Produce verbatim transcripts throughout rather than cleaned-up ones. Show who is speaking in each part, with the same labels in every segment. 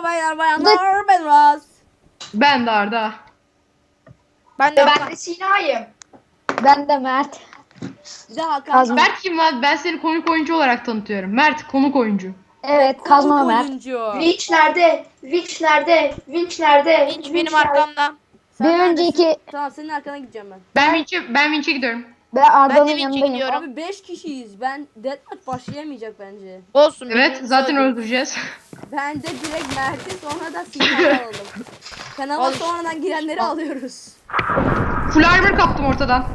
Speaker 1: baylar bayanlar, ben Raz.
Speaker 2: Ben de Arda.
Speaker 3: Ben de
Speaker 4: Ben de Sina'yım.
Speaker 5: Ben de Mert.
Speaker 1: Bir de Hakan.
Speaker 5: Kazma.
Speaker 2: Mert kim lan? Ben seni konuk oyuncu olarak tanıtıyorum. Mert konuk oyuncu.
Speaker 5: Evet, Kazma
Speaker 1: Konuk
Speaker 5: Mert.
Speaker 1: oyuncu.
Speaker 4: Winch nerede? Winch nerede? Winch nerede?
Speaker 3: Hiç
Speaker 4: Winch
Speaker 3: benim
Speaker 4: nerede?
Speaker 3: arkamda.
Speaker 1: Sen
Speaker 5: Bir
Speaker 1: neredesin?
Speaker 5: önceki
Speaker 1: Tamam, senin arkana gideceğim ben.
Speaker 2: Ben Vinç'e ben Vinç'e gidiyorum.
Speaker 5: ben
Speaker 3: Ben
Speaker 5: Arda'nın
Speaker 3: de Vinç'e
Speaker 5: yanındayım.
Speaker 3: gidiyorum.
Speaker 1: Abi beş kişiyiz. Ben deathmatch başlayamayacak bence.
Speaker 3: Olsun.
Speaker 2: Evet,
Speaker 3: birbirimizi
Speaker 2: zaten
Speaker 3: öldürdük.
Speaker 2: öldüreceğiz.
Speaker 1: Ben de direkt Mert'i sonra da Sinan'ı alalım. Kanala
Speaker 3: Al işte.
Speaker 1: sonradan girenleri alıyoruz.
Speaker 2: Full armor kaptım ortadan.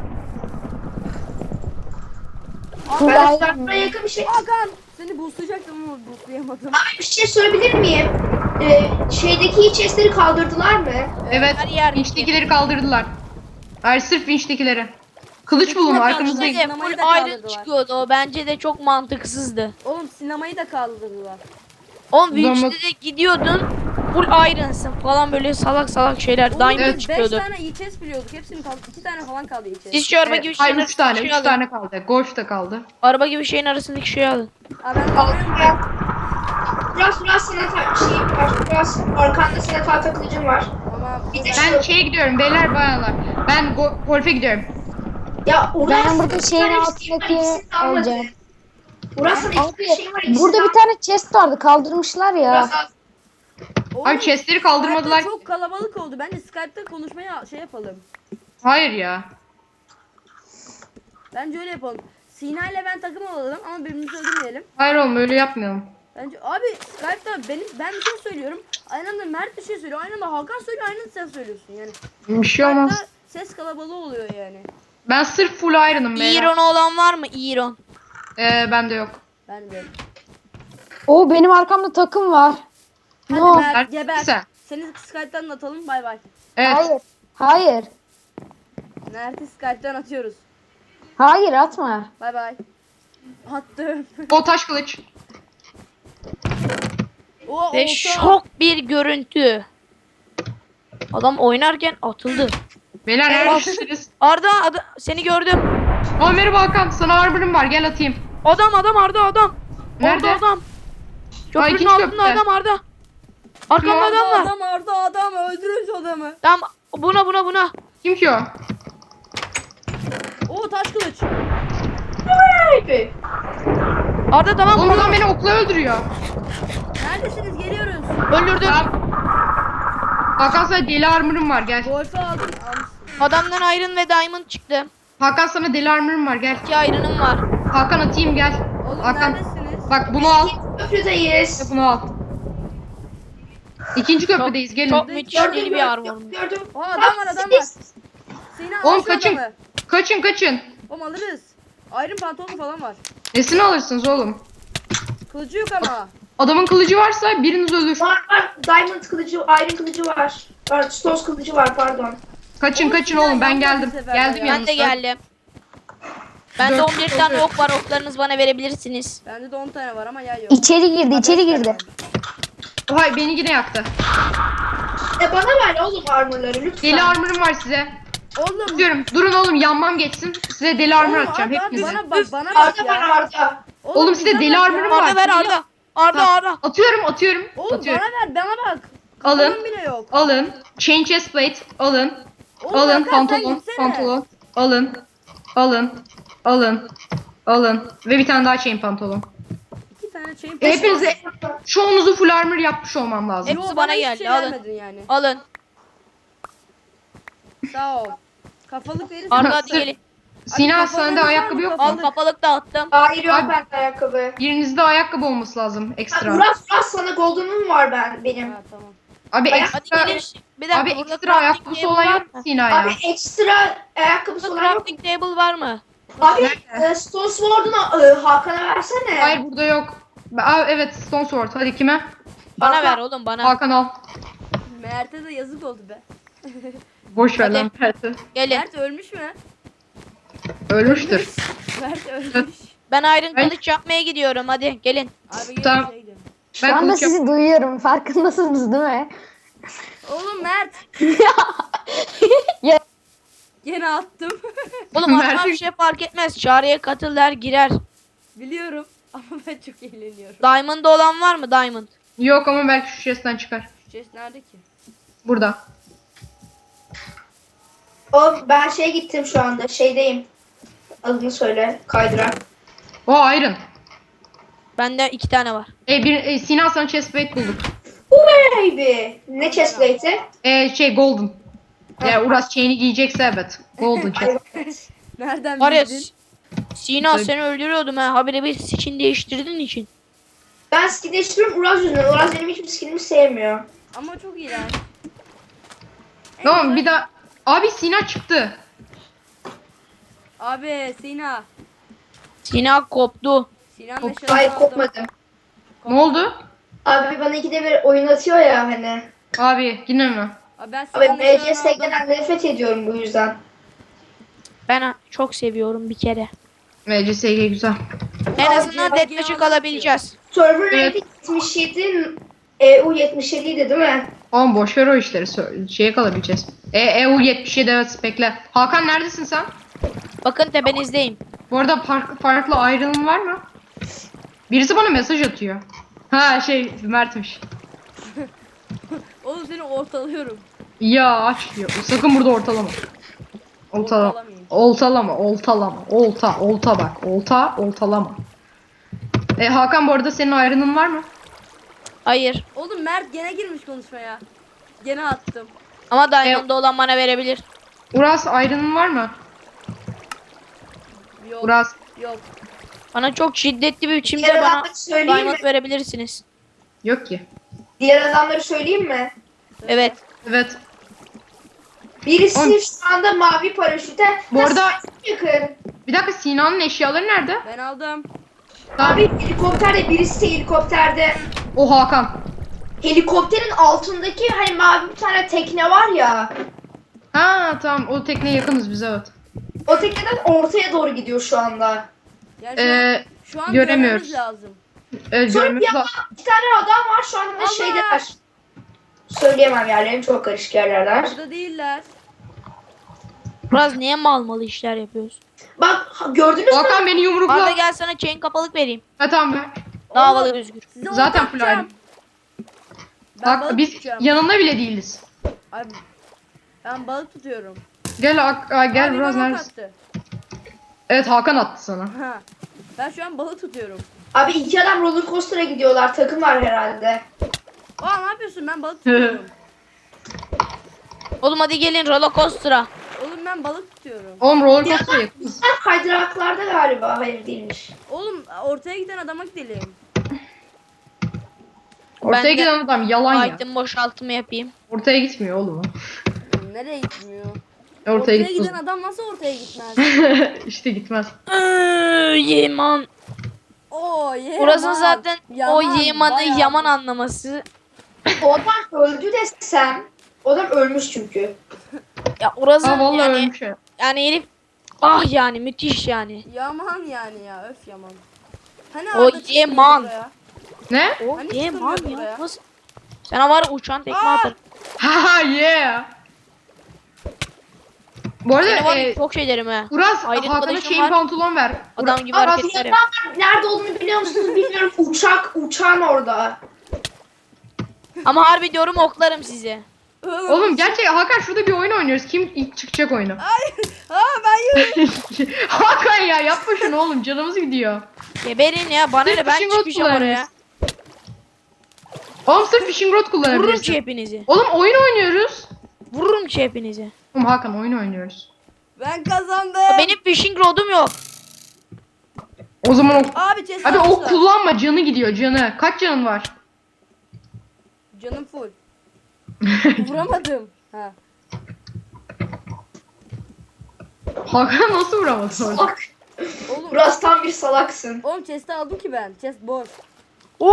Speaker 4: Ben
Speaker 5: Kulağım-
Speaker 4: uzaklara yakın bir şey.
Speaker 1: Hakan! Seni boostlayacaktım ama boostlayamadım.
Speaker 4: Abi bir şey sorabilir miyim? Ee, şeydeki chestleri kaldırdılar mı?
Speaker 2: Evet.
Speaker 3: her yer
Speaker 2: Vinç'tekileri kaldırdılar. Hayır, sırf Vinç'tekileri. Kılıç bulun
Speaker 1: Yok,
Speaker 2: arkamızda.
Speaker 1: yok,
Speaker 3: Bence de
Speaker 1: Sinemayı
Speaker 3: full
Speaker 1: da
Speaker 3: iron
Speaker 1: kaldırdılar.
Speaker 3: çıkıyordu o. Bence de çok mantıksızdı.
Speaker 1: Oğlum sinemayı da kaldırdılar.
Speaker 3: Oğlum
Speaker 2: Zaman-
Speaker 3: Winch'te de gidiyordun. Full iron'sın falan böyle salak salak şeyler.
Speaker 1: Oğlum
Speaker 3: Diamond
Speaker 1: biz beş
Speaker 3: çıkıyordu.
Speaker 1: tane iyi chest biliyorduk. Hepsinin kaldı. iki tane falan kaldı iyi chest.
Speaker 3: Siz şu araba gibi
Speaker 2: Evet,
Speaker 3: şeyin
Speaker 2: hayır, üç tane,
Speaker 3: arasındaki
Speaker 2: üç
Speaker 3: şeyi alın.
Speaker 2: tane kaldı. Golf da kaldı.
Speaker 3: Araba gibi şeyin arasındaki şeyi alın.
Speaker 1: Aa, ben
Speaker 4: Al
Speaker 1: alıyorum.
Speaker 4: buraya. Biraz biraz senin ta- şeyin var. Biraz arkanda senin tahta kılıcın var.
Speaker 1: Ama
Speaker 4: Bir de
Speaker 2: Ben şeye gidiyorum beyler bayanlar. Ben go- golfe gidiyorum.
Speaker 4: Ya Uras,
Speaker 5: Ben burada
Speaker 4: bir
Speaker 5: şeyin
Speaker 4: tane
Speaker 5: altındaki
Speaker 4: isteğim var, ikisini de almadı.
Speaker 5: alacağım.
Speaker 4: Uras'ın iki
Speaker 5: Abi,
Speaker 4: tane şey var. ikisini
Speaker 5: burada
Speaker 4: de
Speaker 5: bir tane chest vardı, kaldırmışlar ya.
Speaker 4: Uras al.
Speaker 1: Oğlum,
Speaker 2: Abi chestleri kaldırmadılar.
Speaker 1: Skype'da çok kalabalık oldu. Bence Skype'da konuşmaya şey yapalım.
Speaker 2: Hayır ya.
Speaker 1: Bence öyle yapalım. Sina ile ben takım olalım ama birbirimizi öldürmeyelim.
Speaker 2: Hayır oğlum, öyle yapmayalım.
Speaker 1: Bence abi Skype'da benim ben bir şey söylüyorum. Aynı anda Mert bir şey söylüyor. Aynı anda Hakan söylüyor. Aynı anda sen söylüyorsun yani.
Speaker 2: Bir şey olmaz.
Speaker 1: Skype'da ses kalabalığı oluyor yani.
Speaker 2: Ben sırf full iron'ım beyler.
Speaker 3: Iron olan var mı? Iron.
Speaker 2: Ee, bende yok.
Speaker 1: Ben de.
Speaker 5: Oo, benim arkamda takım var.
Speaker 1: Hadi
Speaker 5: No.
Speaker 1: Mert
Speaker 2: Mert,
Speaker 1: geber.
Speaker 2: sen.
Speaker 1: Seni Skype'dan atalım. Bay bay.
Speaker 2: Evet.
Speaker 5: Hayır. Hayır.
Speaker 1: Mert'i Skype'dan atıyoruz.
Speaker 5: Hayır, atma.
Speaker 1: Bay bay. Attım.
Speaker 2: O taş kılıç.
Speaker 1: O
Speaker 3: Ve
Speaker 1: olta.
Speaker 3: şok bir görüntü. Adam oynarken atıldı.
Speaker 2: Beyler neredesiniz?
Speaker 3: Arda, Arda seni gördüm.
Speaker 2: Aa, merhaba Hakan. Sana armor'ım var. Gel atayım.
Speaker 3: Adam adam Arda adam.
Speaker 2: Nerede?
Speaker 3: Orada adam. Köprünün
Speaker 2: ikinci
Speaker 3: altında
Speaker 2: köprüde.
Speaker 3: adam Arda. Arkamda
Speaker 2: Kim o?
Speaker 3: adam var.
Speaker 1: Adam Arda adam öldürün şu adamı.
Speaker 3: Tamam buna buna buna.
Speaker 2: Kim ki o?
Speaker 1: O taş kılıç.
Speaker 4: Abi.
Speaker 3: Arda tamam
Speaker 2: Oğlum
Speaker 3: bunu
Speaker 2: adam beni okla öldürüyor.
Speaker 1: Neredesiniz? Geliyoruz.
Speaker 3: öldürdüm.
Speaker 2: Hakan, sana deli armor'ım var. Gel.
Speaker 1: Golf'ü aldım. Almışsın.
Speaker 3: Adamdan Iron ve Diamond çıktı.
Speaker 2: Hakan, sana deli armor'ım var. Gel.
Speaker 3: İki Iron'ım var.
Speaker 2: Hakan, atayım gel.
Speaker 1: Oğlum
Speaker 2: Hakan.
Speaker 1: neredesiniz?
Speaker 2: Bak bunu al.
Speaker 4: Köprüdeyiz.
Speaker 2: Bunu al. İkinci köprüdeyiz. Gelin.
Speaker 3: Çok müthiş
Speaker 4: Gördüm,
Speaker 3: deli bir
Speaker 4: gördüm,
Speaker 3: armorum.
Speaker 4: gördüm.
Speaker 1: O adam var adam var. Sina al
Speaker 2: Oğlum
Speaker 1: şu
Speaker 2: kaçın.
Speaker 1: adamı.
Speaker 2: Kaçın kaçın.
Speaker 1: Oğlum alırız. Iron pantolonu falan var.
Speaker 2: Nesini alırsınız oğlum?
Speaker 1: Kılıcı yok ama.
Speaker 2: Adamın kılıcı varsa biriniz ölür.
Speaker 4: Var var. Diamond kılıcı, Iron kılıcı var. Var, Stones kılıcı var pardon.
Speaker 2: Kaçın
Speaker 1: Oğlum,
Speaker 2: kaçın
Speaker 1: Sinan
Speaker 2: oğlum, ben
Speaker 1: yandı
Speaker 2: geldim.
Speaker 1: bu sefer
Speaker 2: Geldim
Speaker 1: ya.
Speaker 3: Ben de
Speaker 2: yanınıza.
Speaker 3: geldim. Bende
Speaker 2: Dört
Speaker 3: on bir tane
Speaker 2: oluyor.
Speaker 3: ok var. Oklarınızı bana verebilirsiniz.
Speaker 1: Bende de on tane var ama yay yok.
Speaker 5: İçeri girdi, içeri girdi.
Speaker 2: Hay, beni yine yaktı.
Speaker 4: E bana ver oğlum armorları lütfen.
Speaker 2: Deli armor'ım var size.
Speaker 1: Oğlum.
Speaker 2: Diyorum durun oğlum, yanmam geçsin. Size deli armor
Speaker 1: Oğlum,
Speaker 2: atacağım
Speaker 1: abi, abi,
Speaker 2: hepinize.
Speaker 1: bana bak bana bak
Speaker 4: Arda var
Speaker 1: ya.
Speaker 4: Arda.
Speaker 2: Oğlum, size
Speaker 1: bize
Speaker 2: deli
Speaker 1: bak
Speaker 2: armorum
Speaker 1: ya.
Speaker 2: var.
Speaker 3: Arda ver Arda. Arda
Speaker 2: Tamam.
Speaker 3: Arda.
Speaker 2: Atıyorum atıyorum.
Speaker 1: Oğlum
Speaker 2: atıyorum.
Speaker 1: bana ver bana bak.
Speaker 2: Alın.
Speaker 1: Kafanın bile yok.
Speaker 2: Alın. Chain chest plate. Alın.
Speaker 1: Oğlum,
Speaker 2: Alın
Speaker 1: Hakan, sen
Speaker 2: pantolon.
Speaker 1: gitsene.
Speaker 2: Pantolon. Alın. Alın. Alın. Alın. Ve bir tane daha chain pantolon.
Speaker 1: İki tane chain
Speaker 2: Ve hepinize çoğunuzu full armor yapmış olmam lazım.
Speaker 3: Hepsi
Speaker 1: Yo,
Speaker 3: bana
Speaker 1: hiçbir
Speaker 3: geldi,
Speaker 1: şey
Speaker 3: alın.
Speaker 1: vermedin yani.
Speaker 3: Alın.
Speaker 1: Sağ ol. Kafalık verirsin.
Speaker 3: Arda hadi gelin.
Speaker 2: Sina,
Speaker 1: kafalarınız
Speaker 2: sende
Speaker 1: var
Speaker 2: ayakkabı
Speaker 1: mı?
Speaker 2: yok
Speaker 3: Al
Speaker 2: mu?
Speaker 3: kafalık da attım.
Speaker 4: Hayır yok
Speaker 2: Abi-
Speaker 4: bende ayakkabı.
Speaker 2: Birinizde ayakkabı olması lazım
Speaker 4: Ha,
Speaker 2: ekstra.
Speaker 4: Uras Uras sana golden'um var ben benim.
Speaker 1: Ha tamam.
Speaker 2: Abi
Speaker 4: Ayak-
Speaker 3: Hadi
Speaker 2: ekstra,
Speaker 3: gelin. Bir dakika
Speaker 2: abi
Speaker 3: burada
Speaker 2: ekstra
Speaker 3: crafting
Speaker 2: ayakkabısı
Speaker 3: table
Speaker 2: olan
Speaker 3: var
Speaker 2: yok
Speaker 3: mı?
Speaker 2: mu Sina ya?
Speaker 4: Abi ekstra ayakkabısı
Speaker 3: Burada
Speaker 4: olan yok.
Speaker 3: crafting table var mı?
Speaker 4: Abi e, Stone Sword'unu e, Hakan'a versene.
Speaker 2: Hayır, burada yok. Aa, evet, Stone Sword. Hadi kime?
Speaker 3: Bana
Speaker 4: Hakan.
Speaker 3: ver oğlum bana.
Speaker 2: Hakan al.
Speaker 1: Mert'e de yazık oldu be.
Speaker 2: Boş ver
Speaker 3: Hadi.
Speaker 2: lan Mert'i.
Speaker 3: Gelin.
Speaker 1: Mert ölmüş mü?
Speaker 2: Ölmüştür.
Speaker 1: Mert ölmüş.
Speaker 3: Ben Iron
Speaker 2: Ben-
Speaker 3: kılıç yapmaya gidiyorum. Hadi gelin.
Speaker 1: Abi gelin
Speaker 2: Tamam.
Speaker 1: şey gidelim.
Speaker 5: Şu
Speaker 2: Ben
Speaker 5: anda
Speaker 2: kılıç yap-
Speaker 5: sizi duyuyorum. Farkındasınız değil mi?
Speaker 1: Oğlum Mert.
Speaker 5: Ya.
Speaker 1: Gene attım.
Speaker 3: Oğlum atmam
Speaker 2: Mert'in-
Speaker 3: bir şey fark etmez. Çağrıya katıl der girer.
Speaker 1: Biliyorum ama ben çok eğleniyorum.
Speaker 3: Diamond olan var mı? Diamond.
Speaker 2: Yok ama belki şu chest'ten çıkar.
Speaker 1: Şu chest nerede ki?
Speaker 2: Burada.
Speaker 4: O ben şeye gittim şu anda. Şeydeyim. Adını söyle. Kaydıran.
Speaker 2: O iron.
Speaker 3: Bende iki tane var.
Speaker 2: E, bir, e, Sinan sana chestplate bulduk.
Speaker 4: Baby. Ne chestplate'i?
Speaker 2: E, şey golden. Ya Uras chain'i giyecekse evet. Golden chest.
Speaker 1: Nereden
Speaker 3: Var ya
Speaker 1: bildin?
Speaker 3: S- Sina
Speaker 2: Tabii.
Speaker 3: seni öldürüyordum ha. Habire bir skin değiştirdiğin için.
Speaker 4: Ben skin değiştiriyorum Uraz yüzünden. Uraz benim hiçbir skinimi sevmiyor.
Speaker 1: Ama çok iyi lan. En
Speaker 2: Tamam
Speaker 1: güzel-
Speaker 2: bir daha. Abi Sinan çıktı.
Speaker 1: Abi Sina.
Speaker 3: Sina koptu.
Speaker 1: Sinan
Speaker 2: Kop-
Speaker 1: eşyalarını
Speaker 4: Hayır
Speaker 1: aldım.
Speaker 4: kopmadım.
Speaker 2: Ne oldu?
Speaker 4: Abi bana ikide bir oyun atıyor ya hani.
Speaker 2: Abi yine mi?
Speaker 1: Abi ben
Speaker 4: Abi
Speaker 1: Sinan'ın
Speaker 4: M C
Speaker 1: eşyalarını aldım.
Speaker 4: S'den nefret ediyorum bu yüzden.
Speaker 3: Ben ha- çok seviyorum bir kere.
Speaker 2: M C S G güzel.
Speaker 3: En
Speaker 4: Abi,
Speaker 3: azından
Speaker 1: bak,
Speaker 3: deathmatch'ı
Speaker 1: ya,
Speaker 3: kalabileceğiz.
Speaker 4: Server
Speaker 2: Evet.
Speaker 4: rating yetmiş yedi, E U yetmiş yedi idi değil mi?
Speaker 2: Oğlum boş ver o işleri. Sö- Şeye kalabileceğiz. E, EU yetmiş yedi evet bekle. Hakan neredesin sen?
Speaker 3: Bakın tepenizdeyim.
Speaker 2: Bu arada farklı, farklı ayrılım var mı? Birisi bana mesaj atıyor. Ha şey Mert'miş.
Speaker 1: Oğlum seni ortalıyorum.
Speaker 2: Ya aç ya. Sakın burada ortalama. Oltalama.
Speaker 1: Ortalamayayım.
Speaker 2: Oltalama. Oltalama. Olta. Olta bak. Olta. Oltalama. E, Hakan bu arada senin ayrının var mı?
Speaker 3: Hayır.
Speaker 1: Oğlum Mert gene girmiş konuşmaya. Gene attım.
Speaker 3: Ama Diamond'da olan bana verebilir.
Speaker 2: Uras ayrının var mı?
Speaker 1: Yok.
Speaker 2: Uras.
Speaker 1: Yok.
Speaker 3: Bana çok şiddetli bir biçimde
Speaker 4: Diğer
Speaker 3: bana
Speaker 4: adamları söyleyeyim mi?
Speaker 3: Diamond verebilirsiniz.
Speaker 2: Yok ki.
Speaker 4: Diğer adamları söyleyeyim mi?
Speaker 3: Evet.
Speaker 2: Evet.
Speaker 4: Birisi
Speaker 2: Oğlum.
Speaker 4: şu anda mavi paraşüte.
Speaker 2: Bu
Speaker 4: Ha,
Speaker 2: arada-
Speaker 4: sen yakın.
Speaker 2: Bir dakika Sinan'ın eşyaları nerede?
Speaker 1: Ben aldım.
Speaker 4: Abi helikopterde birisi de helikopterde.
Speaker 2: O Hakan.
Speaker 4: Helikopterin altındaki hani mavi bir tane tekne var ya.
Speaker 2: Ha tamam o tekneye yakınız biz evet.
Speaker 4: O tekneden ortaya doğru gidiyor şu anda.
Speaker 1: Yani şu,
Speaker 2: Ee,
Speaker 1: an, şu an
Speaker 2: göremiyoruz.
Speaker 1: görmemiz lazım.
Speaker 2: Evet,
Speaker 4: Sonra
Speaker 2: görmemiz
Speaker 4: bir yandan
Speaker 2: lazım.
Speaker 4: iki tane adam var şu anda
Speaker 1: Allah!
Speaker 4: şeydeler. Söyleyemem yerlerim çok karışık yerlerler.
Speaker 1: Burada değiller.
Speaker 3: Biraz niye mal malı işler yapıyoruz?
Speaker 4: Bak ha- gördünüz mü?
Speaker 2: Hakan beni
Speaker 3: Arda
Speaker 2: yumrukla.
Speaker 3: gel sana chain kapalık vereyim.
Speaker 2: Ha tamam be.
Speaker 3: Daha
Speaker 1: Oğlum,
Speaker 3: havalı düzgür.
Speaker 1: Size
Speaker 2: Zaten
Speaker 1: ortak
Speaker 2: full
Speaker 1: atacağım.
Speaker 2: iron.
Speaker 1: Ben
Speaker 2: Bak
Speaker 1: balık
Speaker 2: biz
Speaker 1: tutacağım.
Speaker 2: yanında bile değiliz.
Speaker 1: Abi, ben balık tutuyorum.
Speaker 2: Gel Hak- Aa, gel
Speaker 1: Abi
Speaker 2: biraz
Speaker 1: bana ok
Speaker 2: neredesin?
Speaker 1: attı.
Speaker 2: Evet Hakan attı sana.
Speaker 1: Ha. Ben şu an balık tutuyorum.
Speaker 4: Abi iki adam roller coaster'a gidiyorlar. Takım var herhalde.
Speaker 1: Aa ne yapıyorsun? Ben balık tutuyorum.
Speaker 3: Oğlum hadi gelin roller coaster'a.
Speaker 1: Oğlum ben balık tutuyorum.
Speaker 2: Oğlum roller
Speaker 4: Ya
Speaker 2: coaster'a yakınız.
Speaker 4: bunlar kaydıraklarda galiba. Hayır değilmiş.
Speaker 1: Oğlum ortaya giden adama gidelim.
Speaker 2: Ortaya
Speaker 3: Ben de-
Speaker 2: giden adam yalan ya.
Speaker 3: Item boşaltımı yapayım.
Speaker 2: Ortaya gitmiyor oğlum o.
Speaker 1: Oğlum, nereye gitmiyor?
Speaker 2: Ortaya,
Speaker 1: Ortaya
Speaker 2: gitmez.
Speaker 1: giden adam nasıl ortaya gitmez?
Speaker 2: İşte gitmez.
Speaker 3: Iıı, Yeman.
Speaker 1: Oo ye.
Speaker 3: Burası zaten o
Speaker 1: Yaman,
Speaker 3: Yeman'ı
Speaker 1: bayağı.
Speaker 3: yaman anlaması.
Speaker 4: O adam öldü desem. O adam ölmüş çünkü.
Speaker 3: Ya orası
Speaker 2: Aa vallahi
Speaker 3: yani,
Speaker 2: ölmüş ya.
Speaker 3: yani herif ah yani müthiş yani.
Speaker 1: Yaman yani ya öf yaman. Hani
Speaker 3: O
Speaker 1: Arda çıkmıyor
Speaker 2: Ne?
Speaker 3: Yaman.
Speaker 1: buraya?
Speaker 3: O
Speaker 1: Hani
Speaker 3: Yeman
Speaker 1: çıkamıyordu
Speaker 3: ya.
Speaker 1: oraya?
Speaker 3: Nasıl? Sana var ya uçan tekme
Speaker 1: Aa!
Speaker 3: atarım.
Speaker 2: Ha yeah. Bu arada
Speaker 3: Seni var ya
Speaker 2: e,
Speaker 3: çok şey derim ha.
Speaker 2: Uras
Speaker 3: Ayrı
Speaker 2: Hakan'a
Speaker 3: kılıcım
Speaker 2: chain
Speaker 3: var.
Speaker 2: pantolon ver.
Speaker 3: Adam
Speaker 2: Uras-
Speaker 3: gibi
Speaker 2: Aa,
Speaker 3: hareketler yap.
Speaker 4: Nerede olduğunu biliyor musunuz bilmiyorum. Uçak, uçağın orada.
Speaker 3: Ama harbi diyorum oklarım sizi.
Speaker 2: Oğlum gerçek Hakan şurada bir oyun oynuyoruz. Kim ilk çıkacak oyunu?
Speaker 1: Aa ben yürüyorum.
Speaker 2: Hakan ya yapma şunu oğlum canımız gidiyor.
Speaker 3: Geberin ya bana ne ben
Speaker 2: Fishing rod
Speaker 3: çıkacağım oraya.
Speaker 2: kullanırız. Oğlum sırf fishing rod
Speaker 3: Vururum ki
Speaker 2: kullanabilirsin.
Speaker 3: hepinizi.
Speaker 2: Oğlum oyun oynuyoruz.
Speaker 3: Vururum ki hepinizi.
Speaker 2: Oğlum Hakan oyun oynuyoruz.
Speaker 1: Ben kazandım.
Speaker 3: Benim fishing rodum yok.
Speaker 2: O zaman o...
Speaker 1: Abi chest
Speaker 2: Abi
Speaker 1: almışlar.
Speaker 2: ok kullanma canı gidiyor canı. Kaç canın var?
Speaker 1: Canım full. Vuramadım. Ha.
Speaker 2: Hakan nasıl vuramadın orada?
Speaker 4: Salak.
Speaker 1: Oğlum,
Speaker 4: Burası tam bir salaksın.
Speaker 1: oğlum chest'i aldım ki ben. Chest boş.
Speaker 3: Oo!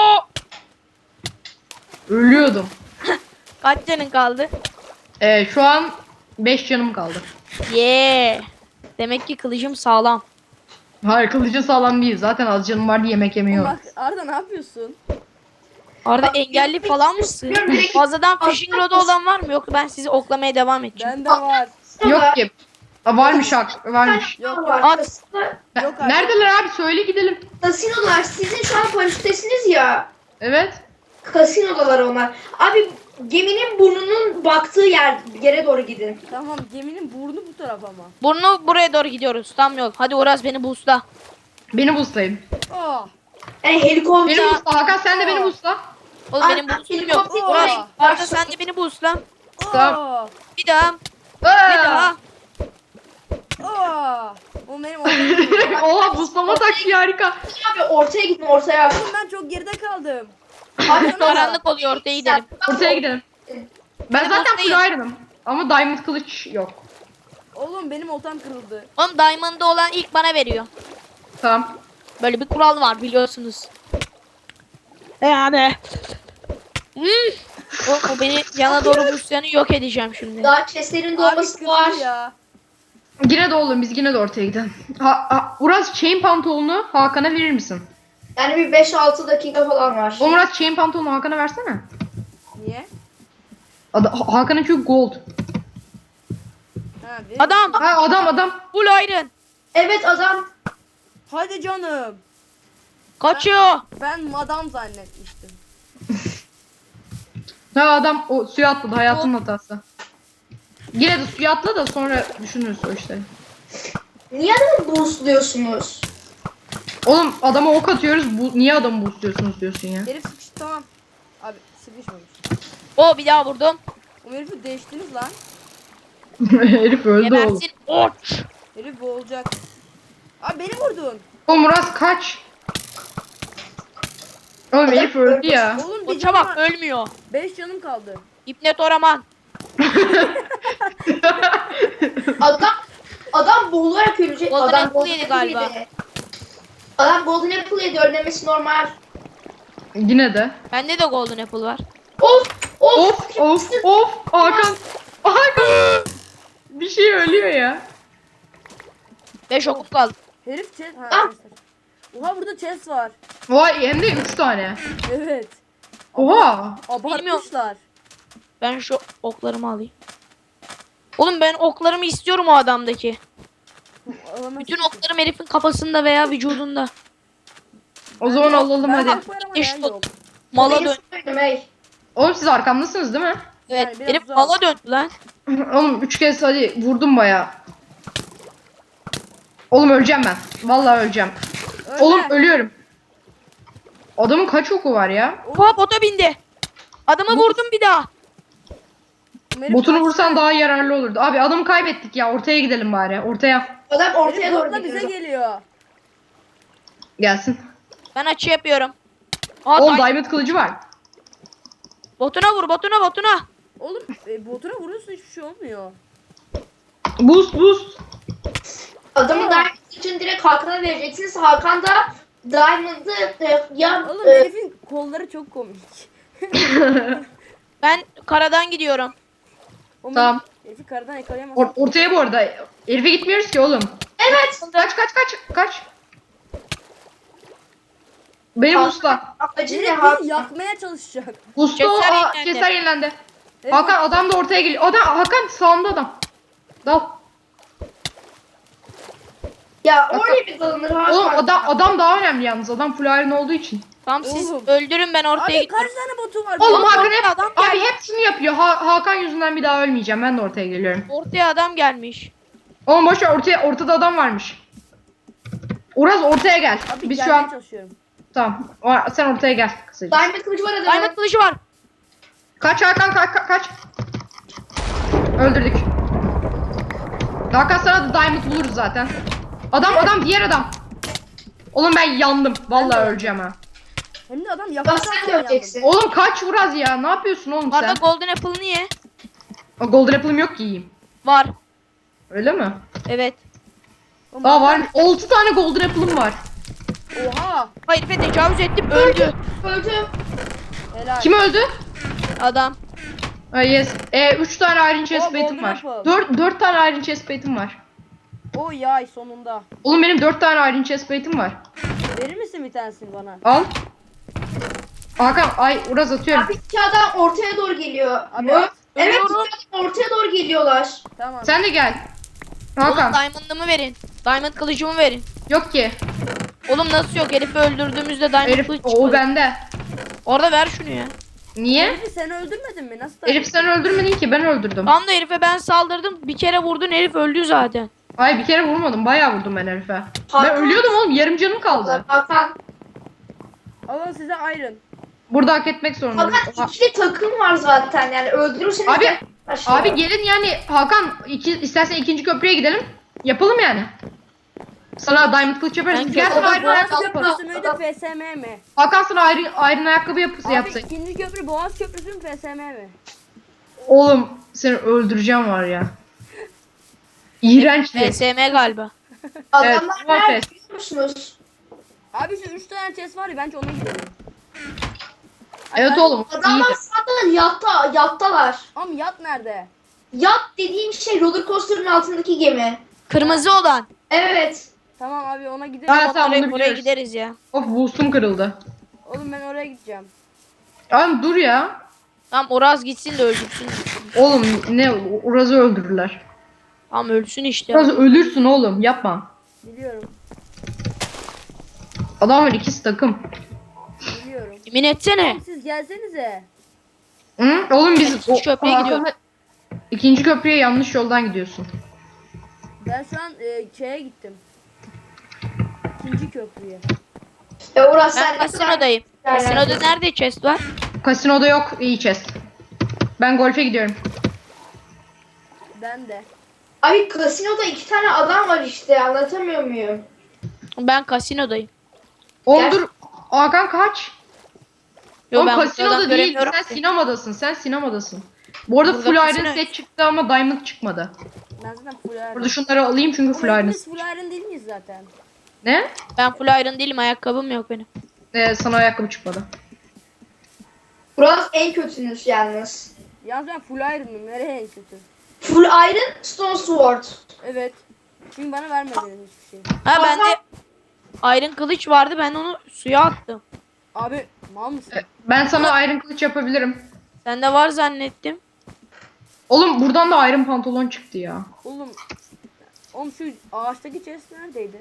Speaker 2: Ölüyordum.
Speaker 3: Kaç canın kaldı?
Speaker 2: Ee, şu an beş canım kaldı.
Speaker 3: Yeah. Demek ki kılıcım sağlam.
Speaker 2: Hayır kılıcı sağlam değil. Zaten az canım vardı yemek yemiyor.
Speaker 1: Bak Arda ne yapıyorsun?
Speaker 3: Arada engelli falan mısın?
Speaker 4: Bilmiyorum, direkt-
Speaker 3: Fazladan fishing rodu olan var mı? Yoksa ben sizi oklamaya devam edeceğim.
Speaker 1: Bende var.
Speaker 2: Yok ki. Aa, varmış hak. Varmış.
Speaker 1: Yok yok.
Speaker 4: Var.
Speaker 3: At.
Speaker 1: Yok abi.
Speaker 2: Neredeler abi? Söyle gidelim.
Speaker 4: Kasinolar sizin şu an paraşüttesiniz ya.
Speaker 2: Evet.
Speaker 4: kasinodalar onlar. Abi geminin burnunun baktığı yer yere doğru gidin.
Speaker 1: Tamam geminin burnu bu taraf ama.
Speaker 3: Burnu buraya doğru gidiyoruz. Tam yol. Hadi Uras beni boostla.
Speaker 2: Beni boostlayın.
Speaker 1: Aa.
Speaker 4: Yani helikopter.
Speaker 2: Beni boostla Hakan, sen de beni boostla.
Speaker 3: Oğlum
Speaker 4: Ay,
Speaker 3: benim boostum yok.
Speaker 4: helikopter
Speaker 3: Uras
Speaker 4: oraya
Speaker 3: Arda
Speaker 4: gider.
Speaker 3: sen de beni boostla.
Speaker 1: Aa.
Speaker 3: Bir daha. Bir
Speaker 2: Aa!
Speaker 3: daha.
Speaker 1: Aa. O benim ortaya.
Speaker 2: Oha, booslama taktiği harika.
Speaker 4: Abi ortaya gidin ortaya.
Speaker 1: Oğlum ben çok geride kaldım.
Speaker 4: Abi
Speaker 3: Karanlık oluyor, ortaya gidelim.
Speaker 2: Ortaya gidelim. Ben
Speaker 3: Beni
Speaker 2: zaten
Speaker 3: boostlayın.
Speaker 2: full iron'ım. Ama diamond kılıç yok.
Speaker 1: Oğlum benim oltam kırıldı.
Speaker 3: Oğlum Diamond'da olan ilk bana veriyor.
Speaker 2: Tamam.
Speaker 3: Böyle bir kural var biliyorsunuz. Yani. Hmm. O, o beni yana doğru boostlayanı yok edeceğim şimdi.
Speaker 4: daha chestlerin
Speaker 1: Abi
Speaker 4: dolması
Speaker 1: kırıldı
Speaker 4: var.
Speaker 1: ya.
Speaker 2: Yine de oğlum, biz yine de ortaya gidelim. Ha, ha, Uras chain pantolonu Hakan'a verir misin?
Speaker 4: Yani bir beş altı dakika falan var.
Speaker 2: Oğlum Uras chain pantolonu Hakan'a versene.
Speaker 1: Niye?
Speaker 2: Ada- Ha- Hakan'ın çünkü gold.
Speaker 1: Ha, benim...
Speaker 3: Adam.
Speaker 2: Ha, adam adam.
Speaker 3: Full iron.
Speaker 4: Evet adam.
Speaker 1: Hadi canım.
Speaker 3: Kaçıyor.
Speaker 1: Ben madam zannetmiştim.
Speaker 2: Ha, adam o suya atladı, hayatının hatası. Yine de suya atla da sonra düşünürüz o işleri.
Speaker 4: Niye adamı boostluyorsunuz?
Speaker 2: Oğlum adama ok atıyoruz, bu niye adamı boostluyorsunuz diyorsun ya.
Speaker 1: Herif sıkıştı tamam. Abi sıkışmamış.
Speaker 3: O bir daha vurdum.
Speaker 1: O herifi değiştiniz lan.
Speaker 2: Herif öldü oğlum.
Speaker 3: Gebersin. Oç.
Speaker 1: Herif boğulacak. Abi beni vurdun.
Speaker 2: Oğlum Uras kaç. Oğlum herif öldü ya.
Speaker 1: Oğlum
Speaker 3: O
Speaker 1: bir canım
Speaker 3: çabuk
Speaker 1: var.
Speaker 3: ölmüyor.
Speaker 1: Beş canım kaldı.
Speaker 3: İpnet Oraman.
Speaker 4: Adam adam boğularak ölecek.
Speaker 3: Golden
Speaker 4: Adam
Speaker 3: Apple
Speaker 4: golden
Speaker 3: yedi
Speaker 4: apple
Speaker 3: galiba.
Speaker 4: yedi. Adam golden apple yedi, ölmemesi normal.
Speaker 2: Yine de.
Speaker 3: Bende de Golden Apple var.
Speaker 4: Of of.
Speaker 2: Of of of Hakan. Hakan. Bir şey ölüyor ya.
Speaker 3: beş okum kaldı.
Speaker 1: Herif chest... Ha,
Speaker 4: Ah.
Speaker 1: chest. Oha burada chest var.
Speaker 2: Vay, hem de üç tane.
Speaker 1: Evet.
Speaker 2: Oha.
Speaker 1: Abartmışlar.
Speaker 3: Ben şu oklarımı alayım. Oğlum ben oklarımı istiyorum o adamdaki.
Speaker 1: Alamazsın
Speaker 3: Bütün
Speaker 1: ki.
Speaker 3: oklarım herifin kafasında veya vücudunda.
Speaker 2: O zaman alalım
Speaker 1: Ben
Speaker 2: hadi.
Speaker 1: hak var ama
Speaker 3: İş
Speaker 1: yer
Speaker 3: bu.
Speaker 1: yok.
Speaker 3: Mala
Speaker 4: Benim
Speaker 3: dön.
Speaker 4: söylüyorum, hey.
Speaker 2: Oğlum siz arkamdasınız değil mi?
Speaker 3: Evet,
Speaker 1: Yani biraz
Speaker 3: herif
Speaker 1: uzak.
Speaker 3: mala döndü lan.
Speaker 2: Oğlum üç kez hadi vurdum baya. Oğlum öleceğim ben. Vallahi öleceğim.
Speaker 1: Ölme.
Speaker 2: Oğlum ölüyorum. Adamın kaç oku var ya?
Speaker 3: Oha bota bindi. Adamı vurdum bir daha.
Speaker 1: Herif
Speaker 2: Botunu
Speaker 1: kaçtı.
Speaker 2: vursan daha yararlı olurdu. Abi adamı kaybettik ya. Ortaya gidelim bari. Ortaya.
Speaker 4: Adam ortaya
Speaker 1: Herif
Speaker 4: doğru
Speaker 1: botla bize
Speaker 4: gidiyor.
Speaker 1: geliyor.
Speaker 2: Gelsin.
Speaker 3: Ben açı yapıyorum. Aa,
Speaker 2: Oğlum
Speaker 3: day-
Speaker 2: diamond kılıcı var.
Speaker 3: botuna vur botuna botuna.
Speaker 1: Oğlum e, botuna vuruyorsun hiçbir şey olmuyor.
Speaker 2: Boost boost.
Speaker 4: Adamı diamond için direkt Hakan'a vereceksiniz. Hakan da diamond'ı e, ya
Speaker 1: Oğlum
Speaker 4: e,
Speaker 1: herifin kolları çok komik.
Speaker 3: Ben karadan gidiyorum.
Speaker 1: O
Speaker 2: Tamam.
Speaker 1: Herifi karadan yakalayamazsın.
Speaker 2: Or- ortaya bu arada. Herife gitmiyoruz ki oğlum.
Speaker 4: evet.
Speaker 2: Kaç kaç kaç kaç. Beni boostla.
Speaker 4: Amacı ne
Speaker 1: Herif
Speaker 4: Hakan?
Speaker 1: bizi yakmaya çalışacak.
Speaker 2: Boostla.
Speaker 3: Keser
Speaker 2: Aa,
Speaker 3: yenilendi.
Speaker 2: keser yenilendi.
Speaker 1: Herif-
Speaker 2: Hakan adam da ortaya geliyor. Adam Hakan sağında adam. Dal.
Speaker 4: Ya oraya bir dalınır Hakan.
Speaker 2: Oğlum adam adam daha önemli yalnız. Adam full iron olduğu için.
Speaker 3: Tamam siz
Speaker 1: Oğlum.
Speaker 3: öldürün ben ortaya
Speaker 1: Abi
Speaker 3: gidiyorum.
Speaker 1: kaç tane botu var?
Speaker 2: Oğlum
Speaker 1: Benim-
Speaker 2: Hakan
Speaker 3: ortaya
Speaker 2: hep
Speaker 3: adam
Speaker 2: abi
Speaker 3: geldi.
Speaker 2: hep şunu yapıyor. Ha- Hakan yüzünden bir daha ölmeyeceğim. Ben de ortaya geliyorum.
Speaker 3: Ortaya adam gelmiş.
Speaker 2: Oğlum boş ver, ortaya ortada adam varmış. Uraz ortaya gel.
Speaker 1: Abi
Speaker 2: Biz şu
Speaker 1: gelmeye
Speaker 2: an
Speaker 1: çalışıyorum.
Speaker 2: tamam. O- Sen ortaya gel kısaca.
Speaker 4: Diamond kılıcı var adamın.
Speaker 3: Diamond kılıcı var.
Speaker 2: Kaç Hakan kaç kaç. kaç. Öldürdük. Hakan sana da diamond buluruz zaten. Adam adam diğer adam. Oğlum ben yandım. Vallahi öleceğim ha.
Speaker 1: Hem de adam
Speaker 4: Bak
Speaker 1: yaklaşan
Speaker 4: sen de öleceksin.
Speaker 2: Oğlum kaç Uraz ya. Ne yapıyorsun oğlum
Speaker 3: Arada
Speaker 2: sen?
Speaker 3: Golden Apple'ını ye.
Speaker 2: O golden apple'ım yok ki yiyeyim.
Speaker 3: Var.
Speaker 2: Öyle mi?
Speaker 3: Evet.
Speaker 2: Aa var. altı tane golden apple'ım var.
Speaker 1: Oha.
Speaker 3: Herife tecavüz ettim öldü.
Speaker 4: Öldü.
Speaker 1: Helal.
Speaker 2: Kim öldü?
Speaker 3: Adam.
Speaker 2: Aa, yes. E, üç tane iron chest
Speaker 1: Oh,
Speaker 2: plate'im
Speaker 1: golden
Speaker 2: var.
Speaker 1: apple.
Speaker 2: dört dört tane iron chest plate'im var.
Speaker 1: O yay sonunda.
Speaker 2: Oğlum benim dört tane iron chest plate'im var.
Speaker 1: Verir misin bir tanesini bana?
Speaker 2: Al. Hakan ay Uraz atıyorum.
Speaker 4: Abi iki adam ortaya doğru geliyor.
Speaker 1: Abi
Speaker 4: Mö-
Speaker 1: at.
Speaker 4: Evet
Speaker 3: Ölüyorum.
Speaker 4: iki adam ortaya doğru geliyorlar.
Speaker 1: Tamam.
Speaker 2: Sen de gel.
Speaker 3: Oğlum
Speaker 2: Hakan.
Speaker 3: Diamond'ımı verin. Diamond kılıcımı verin.
Speaker 2: Yok ki.
Speaker 3: Oğlum nasıl yok? Herifi öldürdüğümüzde Diamond
Speaker 2: Herif
Speaker 3: kılıç
Speaker 2: o
Speaker 3: çıkmadı.
Speaker 2: bende.
Speaker 3: Orada ver şunu ya.
Speaker 2: Niye?
Speaker 1: Herifi sen öldürmedin mi? Nasıl da?
Speaker 2: Herif sen öldürmedin ki, ben öldürdüm.
Speaker 3: Tam da herife ben saldırdım. Bir kere vurdun, herif öldü zaten.
Speaker 2: Ay bir kere vurmadım, bayağı vurdum ben herife. Ben
Speaker 4: Hakan.
Speaker 2: ölüyordum oğlum, yarım canım kaldı.
Speaker 4: Hakan.
Speaker 1: Alın size iron.
Speaker 2: Burada hak etmek zorundayım.
Speaker 4: Hakan ikili takım var zaten yani öldürürseniz
Speaker 2: Abi-
Speaker 4: de başlıyor.
Speaker 2: Abi gelin yani Hakan, iki, istersen ikinci köprüye gidelim. Yapalım yani. Sana diamond kılıç yaparız.
Speaker 3: Ben
Speaker 2: Gel
Speaker 3: köprü-
Speaker 2: sana
Speaker 1: Boğaz
Speaker 2: ayrı ayakkabı yaparız.
Speaker 1: Köprüsü müydü F S M mi?
Speaker 2: Hakan sana ayrı, ayrı ayakkabı yapısı
Speaker 1: Abi
Speaker 2: yapsın.
Speaker 1: ikinci köprü Boğaz Köprüsü mü F S M mi?
Speaker 2: Oğlum seni öldüreceğim var ya. İğrenç bir.
Speaker 3: P S M galiba.
Speaker 4: Adamlar
Speaker 2: Evet,
Speaker 4: nerede
Speaker 2: evet.
Speaker 4: biliyor musunuz?
Speaker 1: Abi şu üç tane chest var ya bence ona gidelim.
Speaker 2: Evet
Speaker 1: Ay,
Speaker 2: oğlum.
Speaker 4: Adamlar
Speaker 2: İyiydi.
Speaker 4: zaten yatta, yattalar.
Speaker 1: Ama yat nerede?
Speaker 4: Yat dediğim şey roller coaster'ın altındaki gemi.
Speaker 3: Kırmızı olan.
Speaker 4: Evet.
Speaker 1: Tamam abi ona gidelim.
Speaker 2: Ha, tamam,
Speaker 3: Oraya,
Speaker 2: bunu
Speaker 3: oraya
Speaker 2: biliyoruz.
Speaker 3: gideriz ya.
Speaker 2: Of boostum kırıldı.
Speaker 1: Oğlum ben oraya gideceğim.
Speaker 2: Abi dur ya.
Speaker 3: Tamam Oraz gitsin de öldürsün.
Speaker 2: Oğlum ne Uraz'ı öldürürler.
Speaker 3: Tamam ölsün işte.
Speaker 2: Uraz'ı ölürsün oğlum, yapma.
Speaker 1: Biliyorum.
Speaker 2: Adamlar ikisi takım.
Speaker 1: Biliyorum.
Speaker 3: Yemin etsene.
Speaker 1: Oğlum siz gelsenize.
Speaker 2: Hı? Oğlum biz
Speaker 3: Ben ikinci köprüye
Speaker 2: Hakan'la-
Speaker 3: gidiyorum.
Speaker 2: İkinci köprüye yanlış yoldan gidiyorsun.
Speaker 1: Ben şu an e, şeye gittim. İkinci köprüye.
Speaker 4: E orası
Speaker 3: Ben kasinodayım. Kasinoda nerede chest var?
Speaker 2: Kasinoda yok iyi chest. Ben golfe gidiyorum.
Speaker 1: Ben de.
Speaker 4: Abi kasinoda iki tane adam var işte anlatamıyor muyum?
Speaker 3: Ben kasinodayım.
Speaker 2: Oğlum
Speaker 4: Gel.
Speaker 2: dur. Hakan kaç?
Speaker 3: Yo
Speaker 2: Oğlum
Speaker 3: ben
Speaker 2: kasinoda
Speaker 3: buradan
Speaker 2: değil.
Speaker 3: göremiyorum
Speaker 2: Sen
Speaker 3: ki.
Speaker 2: sinemadasın. Sen sinemadasın. Bu arada
Speaker 3: Burada
Speaker 2: full iron
Speaker 3: kasino-
Speaker 2: set çıktı ama diamond çıkmadı.
Speaker 1: Ben zaten full iron.
Speaker 2: Burada şunları alayım çünkü
Speaker 1: Oğlum
Speaker 2: full iron.
Speaker 1: hepimiz full iron değil miyiz zaten?
Speaker 2: Ne?
Speaker 3: Ben full iron değilim, ayakkabım yok benim.
Speaker 2: Ee, sana ayakkabı çıkmadı.
Speaker 4: Burası en kötünüz yalnız.
Speaker 1: Yalnız ben full iron'ım. Nereye en kötü?
Speaker 4: Full iron, stone sword.
Speaker 1: Evet. Çünkü bana vermediniz hiçbir şey.
Speaker 3: Ha bende iron kılıç vardı, ben onu suya attım.
Speaker 1: Abi mal mısın?
Speaker 2: Ee, Ben sana iron kılıç yapabilirim.
Speaker 3: Sende var zannettim.
Speaker 2: Oğlum buradan da iron pantolon çıktı ya.
Speaker 1: Oğlum. Oğlum şu ağaçtaki chest neredeydi?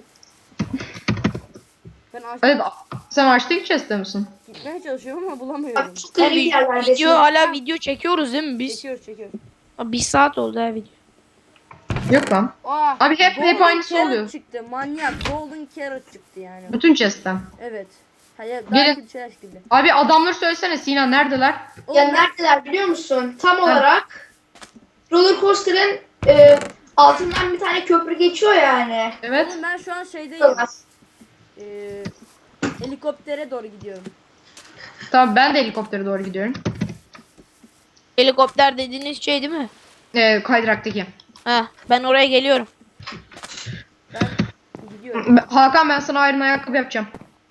Speaker 1: Ben ağaçta
Speaker 2: Evet, sen açtaki chest'te misin?
Speaker 1: gitmeye çalışıyorum ama bulamıyorum.
Speaker 4: Abi çok garip
Speaker 3: Abi,
Speaker 4: yerlerdesin.
Speaker 3: video hala video çekiyoruz değil mi biz?
Speaker 1: Çekiyoruz çekiyoruz.
Speaker 3: Abi, bir saat oldu ha video.
Speaker 2: Yok lan.
Speaker 1: Aa,
Speaker 2: Abi hep- hep
Speaker 1: golden
Speaker 2: aynısı
Speaker 1: carrot
Speaker 2: oluyor.
Speaker 1: çıktı. Manyak. Golden carrot çıktı yani.
Speaker 2: Bütün chest'ten.
Speaker 1: Evet. Hayır,
Speaker 2: Gelin.
Speaker 1: daha kötü şeyler gibi.
Speaker 2: Abi adamları söylesene Sinan, neredeler?
Speaker 1: Oğlum,
Speaker 4: Ya
Speaker 1: ben-
Speaker 4: neredeler biliyor musun? Tam olarak roller coaster'ın e, altından bir tane köprü geçiyor yani.
Speaker 2: Evet.
Speaker 1: Oğlum ben şu an şeydeyim. Ee, helikoptere doğru gidiyorum.
Speaker 2: Tamam ben de helikoptere doğru gidiyorum.
Speaker 3: Helikopter dediğiniz şey değil mi?
Speaker 2: Ee, kaydıraktaki.
Speaker 3: Ha, ben oraya geliyorum.
Speaker 1: Ben gidiyorum.
Speaker 2: Hakan ben sana iron ayakkabı yapacağım.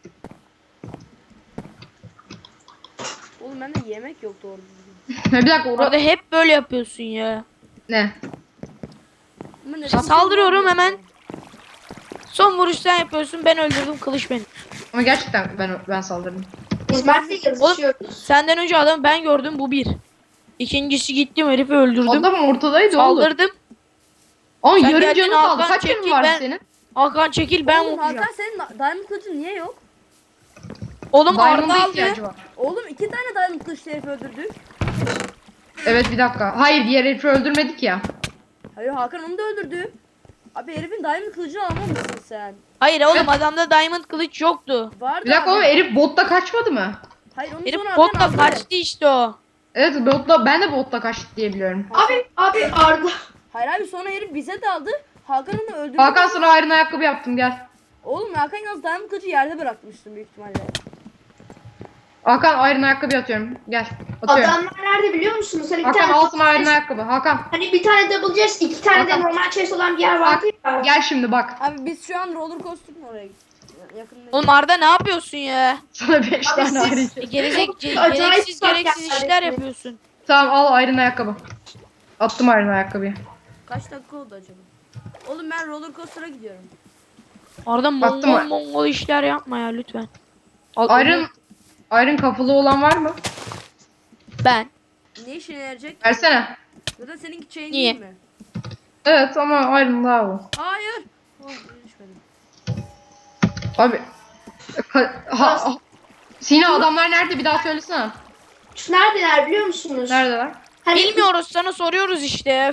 Speaker 1: Oğlum bende yemek yok doğru düzgün.
Speaker 2: Bir dakika orada
Speaker 3: Orada hep böyle yapıyorsun ya.
Speaker 2: ne?
Speaker 1: Ama neden
Speaker 3: Saldırıyorum
Speaker 1: şey
Speaker 3: hemen.
Speaker 1: olmuyor?
Speaker 3: Son vuruş sen yapıyorsun, ben öldürdüm, kılıç benim.
Speaker 2: Ama gerçekten ben ben saldırdım.
Speaker 4: Biz Mert'le yazışıyoruz.
Speaker 3: Senden önce adamı ben gördüm, bu bir. İkincisi gittim herifi öldürdüm.
Speaker 2: Adam ortadaydı oğlum.
Speaker 3: Saldırdım.
Speaker 2: Ama
Speaker 3: Sen
Speaker 2: yarım
Speaker 3: geldin,
Speaker 2: canı kaldı.
Speaker 3: Hakan
Speaker 2: Kaç canın
Speaker 3: çekil,
Speaker 2: var
Speaker 3: ben-
Speaker 2: senin?
Speaker 3: Hakan çekil, ben
Speaker 1: Oğlum
Speaker 3: vuracağım.
Speaker 1: Hakan senin da- diamond kılıcın niye yok?
Speaker 3: Oğlum Arda
Speaker 2: Diamond'a
Speaker 3: aldı.
Speaker 2: ihtiyacı var.
Speaker 1: Oğlum iki tane diamond kılıçlı herifi öldürdük.
Speaker 2: Evet bir dakika. Hayır diğer herifi öldürmedik ya.
Speaker 1: Hayır Hakan onu da öldürdü. Abi herifin diamond kılıcını almamışsın sen.
Speaker 3: Hayır oğlum, adamda diamond kılıç yoktu.
Speaker 1: Vardı
Speaker 2: Bir dakika
Speaker 1: abi.
Speaker 2: oğlum herif botta kaçmadı mı?
Speaker 1: Hayır onu
Speaker 3: Herif
Speaker 1: sonra Hakan
Speaker 3: botla
Speaker 1: aldı.
Speaker 3: kaçtı işte o.
Speaker 2: Evet botla ben de botla kaçtı diye biliyorum.
Speaker 4: Abi abi Arda.
Speaker 1: Hayır abi sonra herif bize daldı. Hakan'ı da öldürdü.
Speaker 2: Hakan sana iron ayakkabı yaptım gel.
Speaker 1: Oğlum Hakan yalnız diamond kılıcı yerde bırakmıştın büyük ihtimalle.
Speaker 2: Hakan iron ayakkabı atıyorum. Gel. Atıyorum.
Speaker 4: Adamlar nerede biliyor musunuz? Hani bir
Speaker 2: Hakan
Speaker 4: tane
Speaker 2: al sana iron ayakkabı. Hakan
Speaker 4: hani bir tane double chest, iki tane de
Speaker 2: Hakan.
Speaker 4: normal chest olan bir yer vardı ya.
Speaker 2: gel şimdi bak.
Speaker 1: Abi biz şu an roller coaster'ın oraya gittik. Yakındayız.
Speaker 3: Oğlum Arda ne yapıyorsun ya?
Speaker 2: Sana beş
Speaker 4: Abi
Speaker 2: tane
Speaker 4: siz-
Speaker 2: iron.
Speaker 3: E, gerizek, ce-
Speaker 4: Acayip
Speaker 3: gereksiz
Speaker 4: fark
Speaker 3: gereksiz
Speaker 4: yani.
Speaker 3: işler yapıyorsun.
Speaker 2: Tamam al iron ayakkabı. Attım iron ayakkabıyı.
Speaker 1: Kaç dakika oldu acaba? Oğlum ben roller coaster'a gidiyorum.
Speaker 3: Arda
Speaker 2: Baktım
Speaker 3: mongol
Speaker 2: mı?
Speaker 3: mongol işler yapma ya lütfen. Al,
Speaker 2: Iron Iron kafalı olan var mı?
Speaker 3: Ben.
Speaker 1: Ne işine yarayacak?
Speaker 2: Versene.
Speaker 1: Zaten seninki chain
Speaker 3: Niye?
Speaker 1: değil mi?
Speaker 2: Evet ama Iron daha bu.
Speaker 1: Hayır. Oh, düşmedim.
Speaker 2: Abi. Ka- ha, ha- Sina adamlar nerede bir daha söylesene.
Speaker 4: Şu neredeler biliyor musunuz?
Speaker 2: Neredeler?
Speaker 4: Hani,
Speaker 3: Bilmiyoruz, sana soruyoruz işte.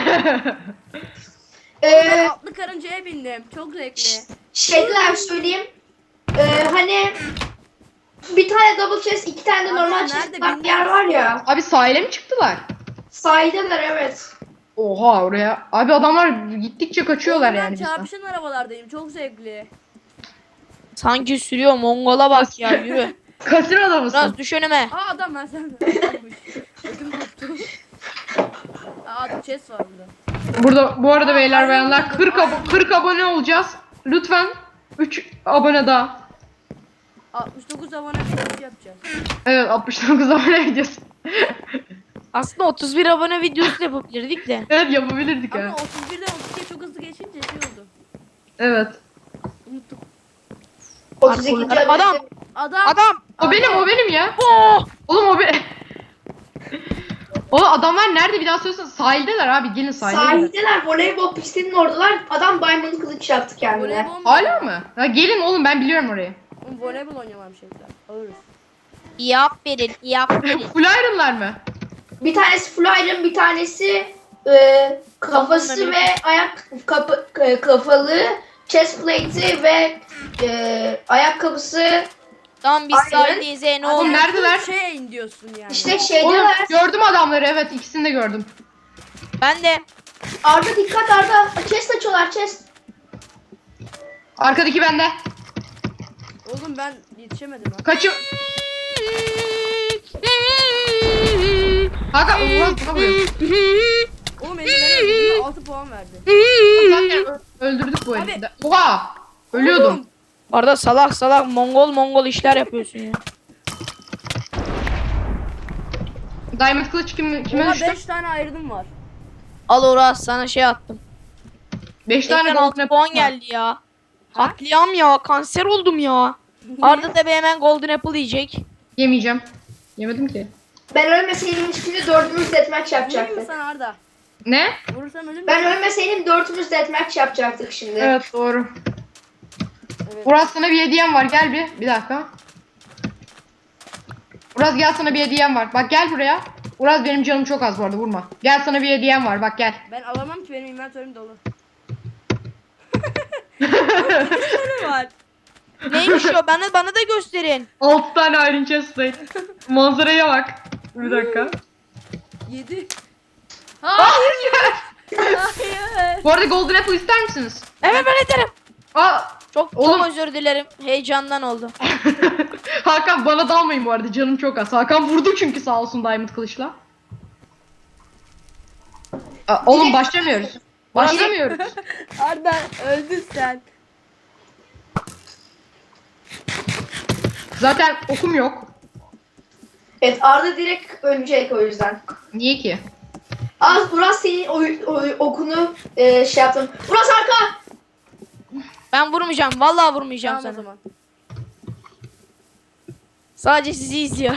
Speaker 4: e,
Speaker 1: Ben atlı karıncaya bindim. Çok zevkli.
Speaker 4: şeyler söyleyeyim. E, hani bir tane double chest, iki tane de
Speaker 1: Abi
Speaker 4: normal
Speaker 1: nerede
Speaker 4: chest var, bir yer
Speaker 1: bilmiyoruz
Speaker 4: var
Speaker 1: ki.
Speaker 4: ya.
Speaker 2: Abi sahile mi çıktılar?
Speaker 4: Sahildeler evet.
Speaker 2: Oha oraya. Abi adamlar gittikçe kaçıyorlar
Speaker 1: Oğlum ben
Speaker 2: yani bizden.
Speaker 1: çarpışan arabalardayım. Çok zevkli.
Speaker 3: Sanki sürüyor, Mongola bak ya, yürü.
Speaker 2: Kasinoda mısın?
Speaker 3: Biraz düş önüme.
Speaker 1: Aa adam ben sen. Ödüm koptu. Aa adam chest var burada.
Speaker 2: Burada bu arada
Speaker 1: Aa,
Speaker 2: beyler
Speaker 1: aynen
Speaker 2: bayanlar
Speaker 1: buldum,
Speaker 2: kırk,
Speaker 1: aynen
Speaker 2: abo- kırk abone olacağız. Lütfen üç abone daha.
Speaker 1: altmış dokuz abone videosu yapacağız.
Speaker 2: Evet altmış dokuz abone gideceğiz.
Speaker 3: Aslında otuz bir abone videosu da yapabilirdik de.
Speaker 2: Evet yapabilirdik
Speaker 1: Ama
Speaker 2: ha.
Speaker 1: otuz birden otuz ikiye çok hızlı geçince şey oldu.
Speaker 2: Evet.
Speaker 1: Unuttum.
Speaker 4: otuz ikinci
Speaker 3: Adam.
Speaker 4: abone.
Speaker 1: Adam.
Speaker 3: Adam!
Speaker 2: O benim o benim ya.
Speaker 3: Oh!
Speaker 2: Oğlum o benim. Oğlum adamlar nerede bir daha söylesene. Sahildeler abi gelin sahilde.
Speaker 4: Sahildeler, voleybol pistinin oradalar. Adam diamond kılıç yaptı kendine.
Speaker 1: Voleybol mu?
Speaker 2: Hala mı? Ya gelin oğlum ben biliyorum orayı.
Speaker 1: Oğlum voleybol oynuyorlarmış şeyler. Alırız.
Speaker 3: Yap verin, yap verin.
Speaker 2: Full Iron'lar mı?
Speaker 4: Bir tanesi full iron, bir tanesi e, kafası
Speaker 3: Tamam,
Speaker 4: ve ayak kapı, e, kafalı, chest plate'i ve e, ayakkabısı.
Speaker 3: Tamam biz
Speaker 4: Aynen.
Speaker 3: sahildeyiz e, ne
Speaker 2: Oğlum
Speaker 3: olur.
Speaker 2: neredeler?
Speaker 1: Şey in diyorsun yani.
Speaker 4: İşte
Speaker 2: Oğlum
Speaker 4: şeydeler.
Speaker 2: gördüm adamları evet ikisini de gördüm.
Speaker 3: Ben de.
Speaker 4: Arda dikkat Arda. Chest açıyorlar chest.
Speaker 2: Arkadaki bende.
Speaker 1: Oğlum ben yetişemedim ha.
Speaker 2: Kaçı... Hakan Uğraz buna vuruyor.
Speaker 1: Oğlum beni ben öldürdüm altı puan verdi.
Speaker 2: Zaten ö- öldürdük bu herifi de. Oha! Ölüyordum.
Speaker 1: Oğlum,
Speaker 3: Arada salak salak Mongol Mongol işler yapıyorsun ya.
Speaker 2: Diamond kılıç kim, kime
Speaker 1: Oha
Speaker 2: düştü?
Speaker 1: beş tane ayrılım var.
Speaker 3: Al Uras sana şey attım.
Speaker 2: beş tane
Speaker 3: Ekran
Speaker 2: golden
Speaker 3: altı puan
Speaker 2: apple var.
Speaker 3: geldi ya. Katliam ya, kanser oldum ya. Arda tabi hemen Golden Apple yiyecek.
Speaker 2: Yemeyeceğim. Yemedim ki.
Speaker 4: Ben ölmeseydim şimdi dördümüz deathmatch
Speaker 1: Vurayım mı
Speaker 4: yapacaktık.
Speaker 1: sana Arda?
Speaker 2: Ne?
Speaker 1: Vurursam ölür müsün?
Speaker 4: Ben ölmeseydim dördümüz deathmatch yapacaktık şimdi.
Speaker 2: Evet doğru.
Speaker 1: Evet.
Speaker 2: Uraz sana bir hediyem var gel bir. Bir dakika. Uraz gel sana bir hediyem var. Bak gel buraya. Uraz benim canım çok az bu arada vurma. Gel sana bir hediyem var bak gel.
Speaker 1: Ben alamam ki benim inventörüm dolu. Ne var?
Speaker 3: Neymiş o? Bana bana da gösterin.
Speaker 2: altı tane Iron Chest plate. Manzaraya bak. Bir dakika.
Speaker 1: Yedi. Hayır. Hayır.
Speaker 2: Bu arada Golden Apple ister misiniz?
Speaker 3: Evet ben ederim.
Speaker 2: Aa,
Speaker 3: Çok
Speaker 2: Oğlum.
Speaker 3: çok özür dilerim. Heyecandan oldu.
Speaker 2: Hakan bana dalmayın bu arada canım çok az. Hakan vurdu çünkü sağ olsun Diamond kılıçla. Aa, oğlum başlamıyoruz. Başlamıyoruz.
Speaker 1: Arda öldün sen.
Speaker 2: Zaten okum yok.
Speaker 4: Evet Arda direkt ölecek o yüzden.
Speaker 2: Niye ki?
Speaker 4: Az Uras senin oy, oy- okunu e, şey yaptım. Uras arka!
Speaker 3: Ben vurmayacağım. Vallahi vurmayacağım
Speaker 1: Tamam o
Speaker 3: sana.
Speaker 1: zaman.
Speaker 3: Sadece sizi izliyor.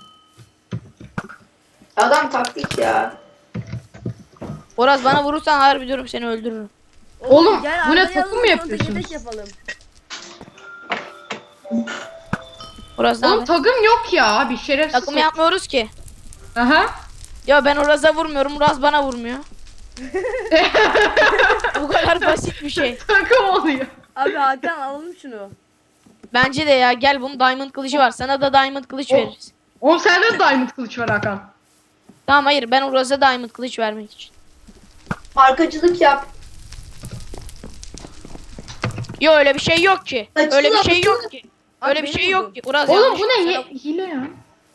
Speaker 4: Adam taktik ya.
Speaker 3: Oraz bana vurursan harbi diyorum seni öldürürüm.
Speaker 2: Oğlum,
Speaker 1: gel
Speaker 2: bu ne,
Speaker 1: Arda'yı
Speaker 2: takım
Speaker 1: alalım,
Speaker 2: mı
Speaker 1: sonra
Speaker 2: yapıyorsunuz?
Speaker 1: tek tek yapalım.
Speaker 3: Oraz ne
Speaker 2: Oğlum
Speaker 3: haber?
Speaker 2: takım yok ya abi şerefsiz.
Speaker 3: Takım yapmıyoruz ki.
Speaker 2: Aha.
Speaker 3: Ya ben Uraz'a vurmuyorum. Uraz bana vurmuyor. Bu kadar basit bir şey.
Speaker 2: Takım oluyor.
Speaker 1: Abi Hakan alalım şunu.
Speaker 3: Bence de ya gel bunun diamond kılıcı var. Sana da diamond kılıç
Speaker 2: O-
Speaker 3: veririz.
Speaker 2: Oğlum sende de Diamond kılıç var Hakan.
Speaker 3: Tamam hayır ben Uraz'a diamond kılıç vermek için.
Speaker 4: Arkacılık yap.
Speaker 3: Yo öyle bir şey yok ki.
Speaker 4: Açıkla,
Speaker 3: Öyle bir şey
Speaker 4: açıkla.
Speaker 3: yok ki.
Speaker 1: Abi
Speaker 3: Öyle bir
Speaker 1: beni
Speaker 3: şey
Speaker 1: vurdun.
Speaker 3: yok ki. Uraz
Speaker 2: Oğlum
Speaker 3: yanlış.
Speaker 2: bu ne
Speaker 3: Sana-
Speaker 2: Hi- hile ya.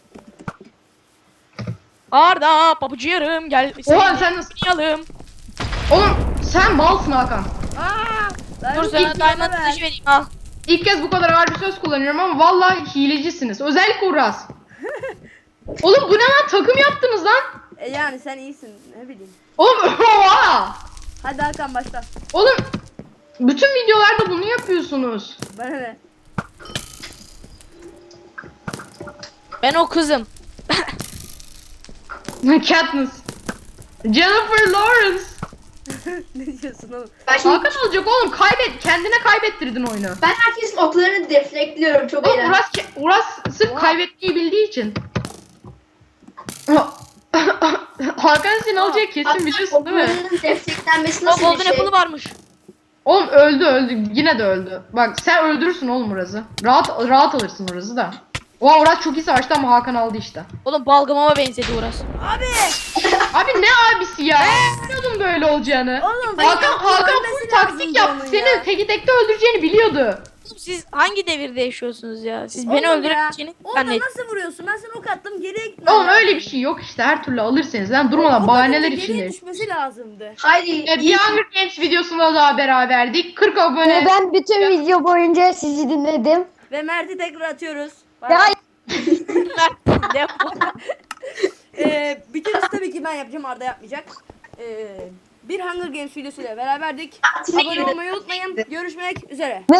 Speaker 3: Arda pabucu yarım gel.
Speaker 2: Oha sen nasıl?
Speaker 3: Oynayalım.
Speaker 2: Oğlum sen malsın Hakan.
Speaker 1: Aa! Ben
Speaker 3: Dur
Speaker 1: ilk
Speaker 3: sana
Speaker 1: yana
Speaker 3: diamond
Speaker 1: ver.
Speaker 3: kılıç vereyim al.
Speaker 2: İlk kez bu kadar ağır bir söz kullanıyorum ama vallahi hilecisiniz. Özellikle Uras. Oğlum bu ne lan takım yaptınız lan.
Speaker 1: E yani sen iyisin ne bileyim.
Speaker 2: Oğlum oha.
Speaker 1: Hadi Hakan başla.
Speaker 2: Oğlum bütün videolarda bunu yapıyorsunuz.
Speaker 1: Bana ne?
Speaker 3: Ben o kızım.
Speaker 2: Katniss. Jennifer Lawrence.
Speaker 1: Ne diyorsun oğlum?
Speaker 4: Ben şimdi
Speaker 2: Hakan olacak oğlum kaybet kendine kaybettirdin oyunu.
Speaker 4: ben herkesin oklarını deflektliyorum. Çok
Speaker 2: Oğlum
Speaker 4: eğlenceli.
Speaker 2: Uras, Uras sırf kaybetmeyi bildiği için. Hakan seni alacak kesin biliyorsun değil mi?
Speaker 4: Oklarının deflektlenmesi
Speaker 3: O
Speaker 4: nasıl
Speaker 3: golden
Speaker 4: bir şey?
Speaker 3: apple'ı varmış.
Speaker 2: Oğlum öldü öldü. Yine de öldü. Bak sen öldürürsün oğlum Uras'ı. Rahat rahat alırsın Uras'ı da. Oha Uras çok iyi savaştı ama Hakan aldı işte.
Speaker 3: Oğlum balgamama benzedi Uras.
Speaker 1: Abi.
Speaker 2: Abi ne abisi ya? Biliyordum böyle olacağını.
Speaker 1: Oğlum
Speaker 2: Hakan
Speaker 1: Hakan
Speaker 2: Hakan
Speaker 1: ölmesi
Speaker 2: full taktik
Speaker 1: lazımdı
Speaker 2: yaptı.
Speaker 1: onun
Speaker 2: Seni
Speaker 1: ya.
Speaker 2: teki tekte öldüreceğini biliyordu.
Speaker 3: Oğlum siz hangi devirde yaşıyorsunuz ya? Siz beni
Speaker 1: Oğlum ya,
Speaker 3: öldüreceğini
Speaker 1: Oradan
Speaker 3: zannet.
Speaker 1: nasıl vuruyorsun? Ben sana ok attım geriye gitmem
Speaker 2: Oğlum
Speaker 1: lazım.
Speaker 2: öyle bir şey yok işte. Her türlü alırsınız. Lan durmadan
Speaker 1: Ok
Speaker 2: bahaneler
Speaker 1: atınca geriye
Speaker 2: içinde.
Speaker 1: düşmesi lazımdı.
Speaker 4: Haydi.
Speaker 2: E, bir
Speaker 4: iyi.
Speaker 2: Hunger Games videosunda daha beraberdik. kırk abone.
Speaker 5: Ve ben bütün video boyunca sizi dinledim.
Speaker 1: Ve Mert'i tekrar atıyoruz. Bay
Speaker 5: Ya
Speaker 1: bay.
Speaker 3: Ne bu?
Speaker 1: Ee, bitirisi tabii ki ben yapacağım, Arda yapmayacak. Ee, bir Hunger Games videosuyla beraberdik.
Speaker 4: Tatile
Speaker 1: Abone
Speaker 4: gidelim.
Speaker 1: olmayı unutmayın. Görüşmek üzere.
Speaker 5: ve